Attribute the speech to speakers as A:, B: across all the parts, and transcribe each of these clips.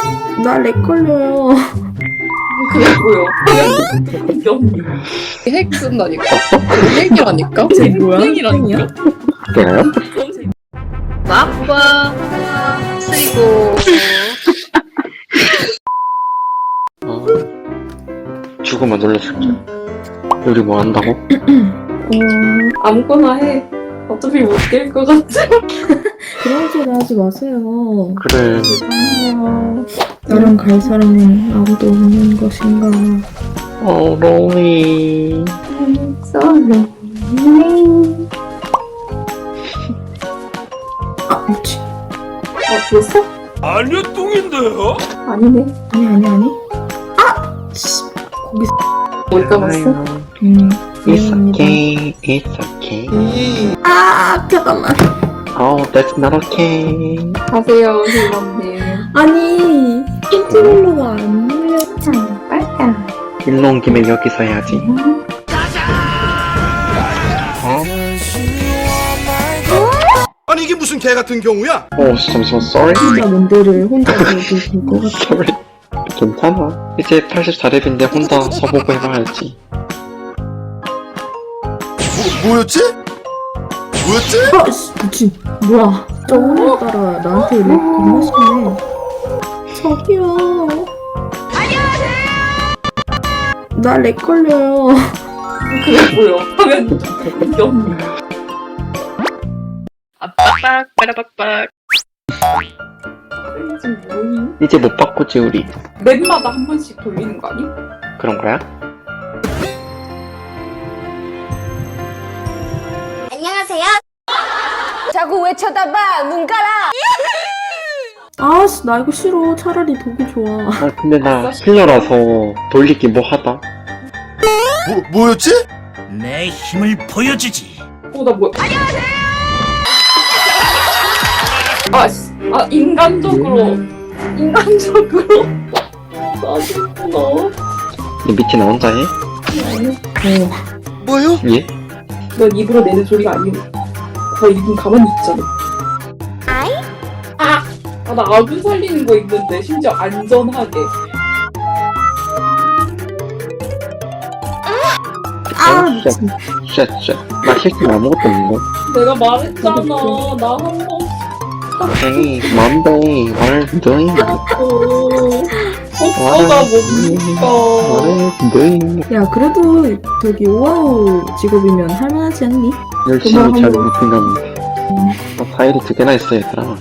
A: 나 렉 걸려요.
B: 그게 뭐야? 핵 쓴다니까? 핵이라니까?
A: 쟤 뭐야?
B: 핵이라니까?
C: 내가요?
B: 마빠 쓰리고
C: 죽으면 놀려줄게. 우리 뭐 한다고?
B: 아무거나 해. 어차피 못 깰 것 같아.
A: 그런 소리 하지 마세요.
C: 그래.
B: 죄송해요.
A: 나랑 갈 사람은 아무도 없는 것인가.
C: 로이.
B: 썰로.
A: 아, 미치.
B: 죽었어?
D: 아니요, 똥인데요?
B: 아니네.
A: 아니. 아! 씨. 거기
B: 뭘 까먹었어?
C: It's
A: 미안합니다.
C: okay. It's okay.
A: 아, 잠깐만.
C: Oh, that's not okay.
B: 가세요, 실범님.
A: 아니, 컨트롤러가 안 눌려.
B: 빨까.
C: 일로 온 김에 여기서 해야지.
D: 아니 이게 무슨 개 같은 경우야?
C: 잠시만, sorry.
A: 진짜 뭔데를 혼자 해도 될것 같아.
C: sorry. 괜찮아. 이제 84렙인데 혼자 서보고 해봐야지.
D: 뭐였지? 뭐였지?
A: 아, 씨, 미친. 뭐야. 저 오늘따라 나한테 렉 겁나 심해. 저기요. 나 렉 걸려요.
B: 그게 뭐야? 화면 영. 아빡빡 빠라빡빡. 지금 뭐니?
C: 이제 못 바꾸지, 우리.
B: 맵마다 한 번씩 돌리는 거 아니?
C: 그런 거야?
E: 안녕하세요. 자꾸 왜 쳐다봐? 눈 깔아.
A: 아씨, 나 이거 싫어. 차라리 독이 좋아.
C: 근데 나 힐러라서 돌리기 뭐 하다.
D: 뭐였지?
F: 내 힘을 보여주지.
B: 나 뭐야? 인간적으로. 짜증나.
C: 이 밑에 나 혼자 해?
D: 뭐요?
C: 예?
B: 넌 입으로 내는 소리가 아니야. 너 입은 가만히 있잖아. 나 아군 살리는 거 있는데 심지어 안전하게.
A: 미친.
C: 쉣. 나 실수 아무것도 없는데.
B: 내가 말했잖아. 나 한 번.
C: Hey, Monday, what are you doing?
B: 오빠가 뭡니까?
C: What are you doing?
A: 야, 그래도 저기 오아우 직업이면 할만하지 않니?
C: 열심히 잘 못생겼는데. 나 파일이 2개나 있어, 얘들아.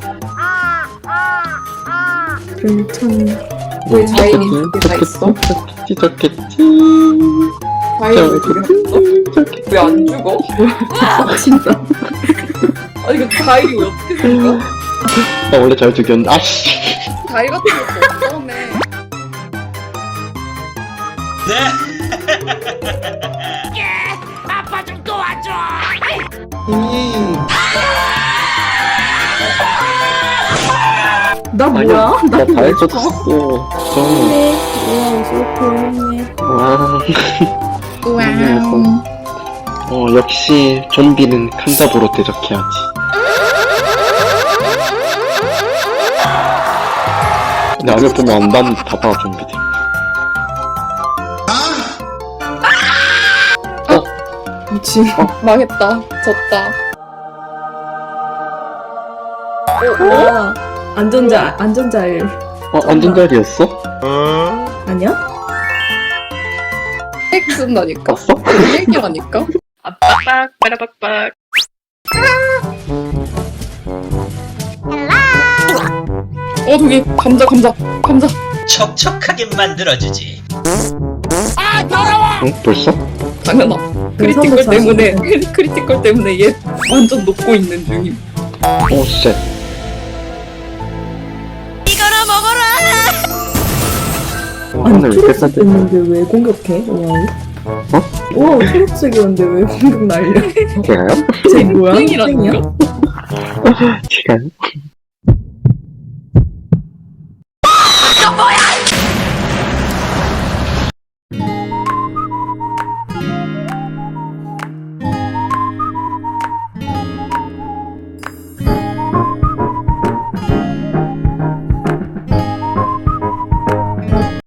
A: 괜찮.
B: 왜 자인이 2개나 있어?
C: 좋겠지.
B: 자인이 2개나 있어? 왜 안 죽어?
A: 진짜.
B: 아니 그 자인이 왜 어떻게 생겨?
C: 나 원래 잘 죽였는데, 아씨.
B: 자인 같은 것도 없었네.
F: 아빠 좀 도와줘.
A: 나 뭐야?
C: 나 다 해줬어.
A: 네. 오아우 소프했네.
C: 와우. 역시 좀비는 칸잡으로 대적해야지. 나를 보면 안단 봐봐, 좀비들.
A: 미친.
B: 망했다. 졌다.
A: 아, 안전자일.
C: 안전자리였어?
A: 아니야?
B: 핵 쓴다니까?
C: 봤어?
B: 핵이라니까? 아빡빡 빠라빡빡. 저기 감자.
F: 촉촉하게 만들어주지.
C: 응? 벌써?
B: 당연하.
A: 선배
B: 크리티컬 때문에 얘 완전 녹고 있는 중임.
C: 쉣.
F: 이거나 먹어라.
A: 아니,
C: 하늘 왜 이렇게
A: 초록색 됐는데 왜 공격해? 오아우?
C: 어?
A: 오아우 초록색이었는데 왜 공격 날려?
C: 제가요?
A: 쟤 뭐야?
B: 땡이라니까?
A: 땡이야?
C: 제가요?